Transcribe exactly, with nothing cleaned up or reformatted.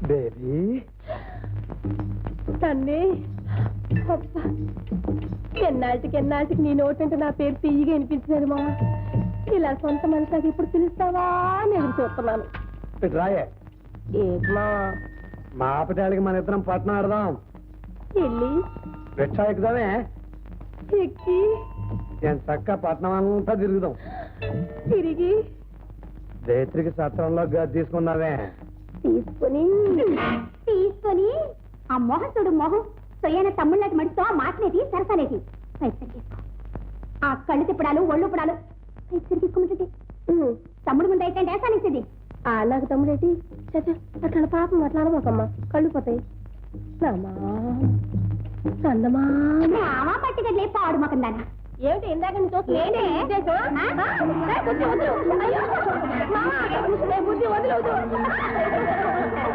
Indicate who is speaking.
Speaker 1: Baby
Speaker 2: తన్నే ఎన్నాటికి ఎన్నాటికి నీ నోటంటే నా పేరు తీయగా వినిపించినది మా ఇలా సొంత మనిషికి ఇప్పుడు పిలుస్తావా అని ఎదురు చూస్తున్నాను.
Speaker 1: రాయే
Speaker 2: ఏమా
Speaker 1: మా ఆపటాలకి మన ఇద్దరం పట్నం ఆడదాం.
Speaker 2: వెళ్ళి
Speaker 1: రిక్షా ఎక్కుదామే,
Speaker 2: ఎక్కి
Speaker 1: నేను చక్క పట్నం అంతా తిరుగుదాం.
Speaker 2: తిరిగి
Speaker 1: రేత్రికి సత్రంలో గది తీసుకున్నావే,
Speaker 2: తీసుకొని
Speaker 3: తీసుకొని ఆ మొహం చూడు, మొహం సొయ్యన తమ్ముళ్ళకి మడితో ఆ మాటనేది సరసనేది పైసలు తీసుకో. ఆ కళ్ళు తిప్పడాలు ఒళ్ళు పుడాలు పైసలు తీసుకోమంటే తమ్ముడు ముందు అయితే వేసానిచ్చేది.
Speaker 2: ఆ నాకు తమ్ముడేటి చచ్చ అట్లా పాపం అట్లా అనబోకమ్మా, కళ్ళు పోతాయి.
Speaker 3: మామా పట్టుకట్లే పాడు మొక్కం దానా
Speaker 2: ఏమిటి ఇందాక నీ చూస్తే బుద్ధి వదిలేదు.